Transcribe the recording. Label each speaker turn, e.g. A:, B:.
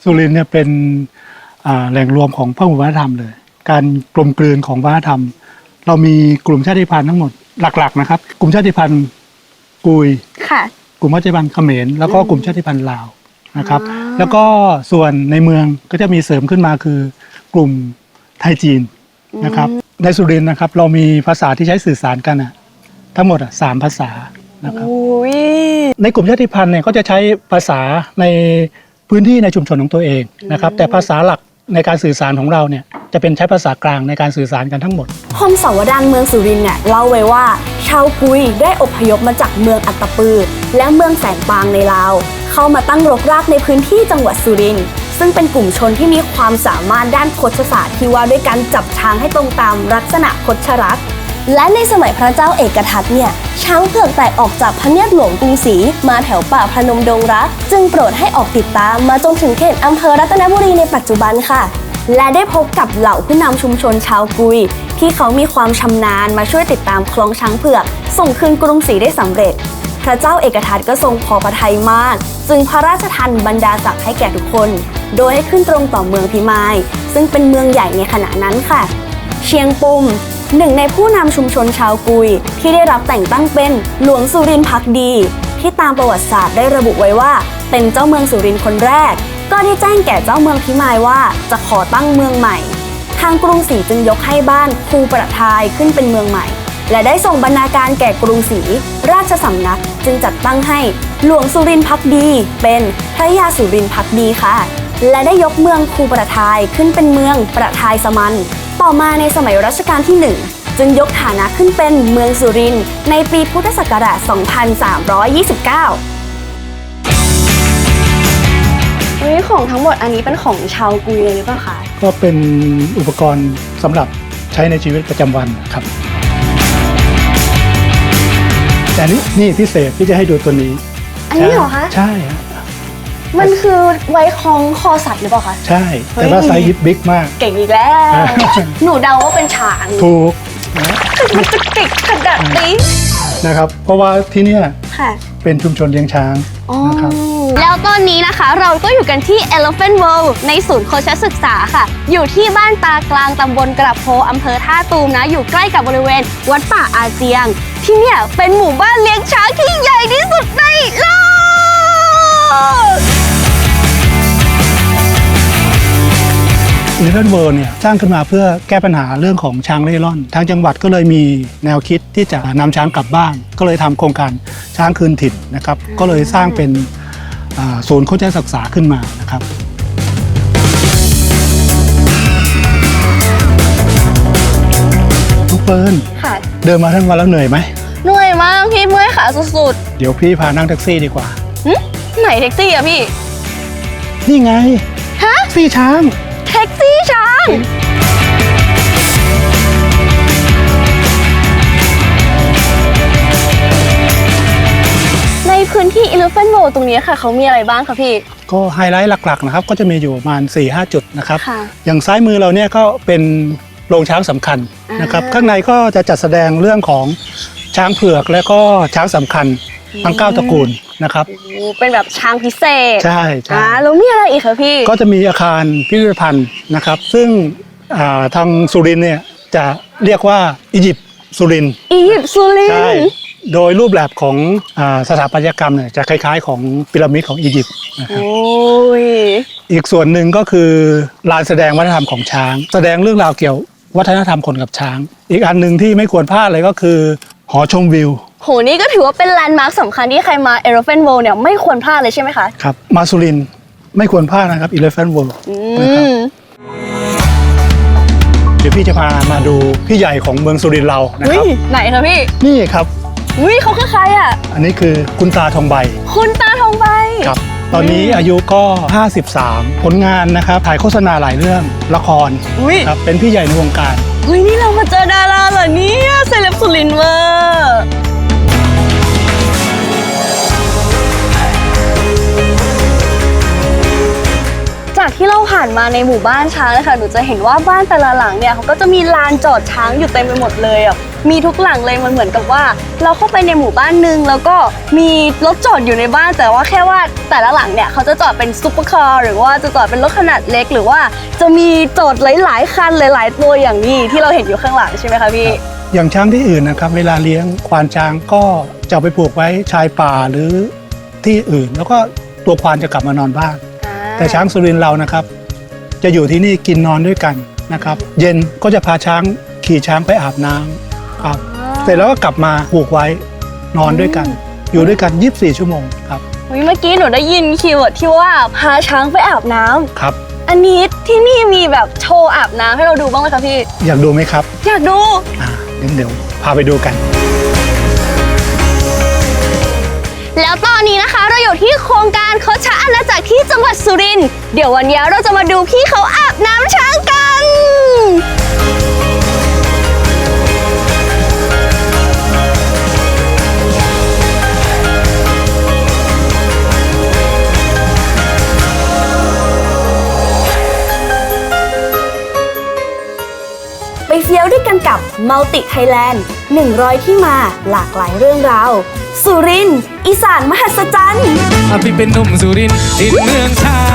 A: สุรินทร์เนี่ยเป็นแหล่งรวมของพหุวัฒนธรรมเลยการกลมกลืนของวัฒนธรรมเรามีกลุ่มชาติพันธุ์ทั้งหมดหลักๆนะครับกลุ่มชาติพันธุ์กุยกลุ่มชาติพันธุ์เขมรแล้วก็กลุ่มชาติพันธุ์ลาวนะครับแล้วก็ส่วนในเมืองก็จะมีเสริมขึ้นมาคือกลุ่มไทยจีนนะครับในสุรินทร์นะครับเรามีภาษาที่ใช้สื่อสารกันทั้งหมด3 ภาษานะครับในกลุ่มชาติพันธุ์เนี่ยก็จะใช้ภาษาในพื้นที่ในชุมชนของตัวเองนะครับแต่ภาษาหลักในการสื่อสารของเราเนี่ยจะเป็นใช้ภาษากลางในการสื่อสารกันทั้งหมด
B: คมสาวดารเมืองสุรินทร์เนี่ยเล่าไว้ว่าชาวกุยได้อพยพมาจากเมืองอัตตปือและเมืองแสนปางในลาวเข้ามาตั้งรกรากในพื้นที่จังหวัดสุรินทร์ซึ่งเป็นกลุ่มชนที่มีความสามารถด้านโคชศาสตร์ที่ว่าด้วยการจับช้างให้ตรงตามลักษณะโคชรักษ์และในสมัยพระเจ้าเอกทัตเนี่ยช้างเผือกแตกออกจากพระเนียดหลวงกรุงศรีมาแถวป่าพนมดงรักจึงโปรดให้ออกติดตามมาจนถึงเขตอำเภอรัตนบุรีในปัจจุบันค่ะและได้พบกับเหล่าผู้นำชุมชนชาวกุยที่เขามีความชำนาญมาช่วยติดตามคล้องช้างเผือกส่งคืนกรุงศรีได้สำเร็จพระเจ้าเอกทัตก็ทรงพอพระทัยมากจึงพระราชทานบรรดาศักดิ์ให้แก่ทุกคนโดยให้ขึ้นตรงต่อเมืองพิมายซึ่งเป็นเมืองใหญ่ในขณะนั้นค่ะเชียงปุ่มหนึ่งในผู้นำชุมชนชาวกุยที่ได้รับแต่งตั้งเป็นหลวงสุรินทร์ภักดีที่ตามประวัติศาสตร์ได้ระบุไว้ว่าเป็นเจ้าเมืองสุรินทร์คนแรกก็ได้แจ้งแก่เจ้าเมืองพิมายว่าจะขอตั้งเมืองใหม่ทางกรุงศรีจึงยกให้บ้านภูประทายขึ้นเป็นเมืองใหม่และได้ส่งบรรณาการแก่กรุงศรีราชสำนักจึงจัดตั้งให้หลวงสุรินทร์ภักดีเป็นพระยาสุรินทร์ภักดีค่ะและได้ยกเมืองภูประทายขึ้นเป็นเมืองประทายสมันต่อมาในสมัยรัชกาลที่1จึงยกฐานะขึ้นเป็นเมืองสุรินทร์ในปีพุทธศักราช 2329ของทั้งหมดอันนี้เป็นของชาวกุยเลยหรือเปล่าคะ
A: ก็เป็นอุปกรณ์สำหรับใช้ในชีวิตประจำวันครับแต่นี่พิเศษที่จะให้ดูตัวนี้
B: อันนี้เหรอคะ
A: ใช่ครับ
B: มันคือไว้คล้องคอสัตว์หรือเปล่าคะ
A: ใช่แต่ว่าไซส์บิ๊กมาก
B: เก่งอีกแล้วหนูเดาว่าเป็นช้าง
A: ถูก
B: มันจะเก่งขนาดนี้
A: นะครับเพราะว่าที่นี่เป็นชุมชนเลี้ยงช้างนะครับ
B: แล้วตอนนี้นะคะเราก็อยู่กันที่ Elephant World ในศูนย์โคชศึกษาค่ะอยู่ที่บ้านตากลางตำบลกระโพอำเภอท่าตูมนะอยู่ใกล้กับบริเวณวัดป่าอาเจียงที่เนี่ยเป็นหมู่บ้านเลี้ยงช้างที่ใหญ่ที่สุดในโลก
A: Elephant World เนี่ยสร้างขึ้นมาเพื่อแก้ปัญหาเรื่องของช้างเร่ร่อนทางจังหวัดก็เลยมีแนวคิดที่จะนำช้างกลับบ้านก็เลยทำโครงการช้างคืนถิ่นนะครับก็เลยสร้างเป็นศูนย์โคชศึกษาขึ้นมานะครับทุกเปิ้ลเดินมาทั้งวันแล้วเหนื่อยไหม
B: เหนื่อยมากพี่เมื่อยขาสุด
A: ๆเดี๋ยวพี่พานั่งแท็กซี่ดีกว่า
B: ไหนแท็กซี่อะพี่
A: นี่ไงแท็กซี่ช้าง
B: แท็กซี่ช้างในพื้นที่ Elephant World ตรงนี้ค่ะเขามีอะไรบ้างคะพี่
A: ก็ไฮไลท์หลักๆนะครับก็จะมีอยู่ประมาณ 4-5 จุดนะครับอย่างซ้ายมือเราเนี่ยก็เป็นโรงช้างสำคัญนะครับข้างในก็จะจัดแสดงเรื่องของช้างเผือกและก็ช้างสำคัญทั้ง9 ตระกูลนะครับ
B: เป็นแบบช้างพิเศษ
A: ใช่
B: แล้วมีอะไรอีกคะพี่
A: ก็จะมีอาคารพิพิธภัณฑ์นะครับซึ่งทางสุรินทร์เนี่ยจะเรียกว่าอียิปต์สุรินทร์ใช่โดยรูปแบบของสถาปัตยกรรมเนี่ยจะคล้ายๆของพีระมิดของอียิปต์นะครับอีกส่วนหนึ่งก็คือลานแสดงวัฒนธรรมของช้างแสดงเรื่องราวเกี่ยววัฒนธรรมคนกับช้างอีกอันหนึ่งที่ไม่ควรพลาดเลยก็คือหอชมวิว
B: โหนี่ก็ถือว่าเป็นแลนด์มาร์คสำคัญที่ใครมา Elephant World เนี่ยไม่ควรพลาดเลยใช่ไหมคะ
A: ครับมาสุรินทร์ไม่ควรพลาดนะครับ Elephant World นะครับเดี๋ยวพี่จะพามาดูพี่ใหญ่ของเมืองสุรินทร์เรานะครับ
B: ไหนคะพี่
A: นี่ครับ
B: เขาคือใครอ่ะ
A: อันนี้คือคุณตาทองใบ
B: คุณตาทองใบ
A: ครับตอนนี้อายุก็53ผลงานนะครับถ่ายโฆษณาหลายเรื่องละครครับเป็นพี่ใหญ่ในวงการ
B: นี่เรามาเจอดาราเหรอเนี่ยเซเลบสุรินทร์เวอร์จจากที่เราผ่านมาในหมู่บ้านช้างนะคะหนูจะเห็นว่าบ้านแต่ละหลังเนี่ยเขาก็จะมีลานจอดช้างอยู่เต็มไปหมดเลยอ่ะมีทุกหลังเลยมันเหมือนกับว่าเราเข้าไปในหมู่บ้านหนึ่งแล้วก็มีรถจอดอยู่ในบ้านแต่ว่าแค่ว่าแต่ละหลังเนี่ยเขาจะจอดเป็นซุปเปอร์คาร์หรือว่าจะจอดเป็นรถขนาดเล็กหรือว่าจะมีจอดหลายๆคันหลายๆตัวอย่างนี้ที่เราเห็นอยู่ข้างหลังใช่ไหมคะพี่
A: อย่างช้างที่อื่นนะครับเวลาเลี้ยงควานช้างก็จะไปผูกไว้ชายป่าหรือที่อื่นแล้วก็ตัวควานจะกลับมานอนบ้านแต่ช้างสุรินทร์เรานะครับจะอยู่ที่นี่กินนอนด้วยกันนะครับเย็นก็จะพาช้างขี่ช้างไปอาบน้ำครับเสร็จแล้วก็กลับมาผูกไว้นอนด้วยกันอยู่ด้วยกัน24 ชั่วโมงครับ
B: เมื่อกี้หนูได้ยินคีย์เวิร์ดที่ว่าพาช้างไปอาบน้ำ
A: ครับ
B: อันนี้ที่นี่มีแบบโชว์อาบน้ำให้เราดูบ้างไหมคะพี่
A: อยากดูไหมครับ
B: อยากดู
A: เดี๋ยวพาไปดูกัน
B: แล้วตอนนี้นะคะเราอยู่ที่โครงการคดชะอาณาจักรที่จังหวัดสุรินทร์เดี๋ยววันนี้เราจะมาดูพี่เขาอาบน้ำช้างกันไปเฟี้ยวด้วยกันกับ Multi Thailand 100 ที่มาหลากหลายเรื่องราวสุรินทร์อีสานมหัศจรรย์
C: พี่เป็นหนุ่มสุรินทร์ดินเมืองช้าง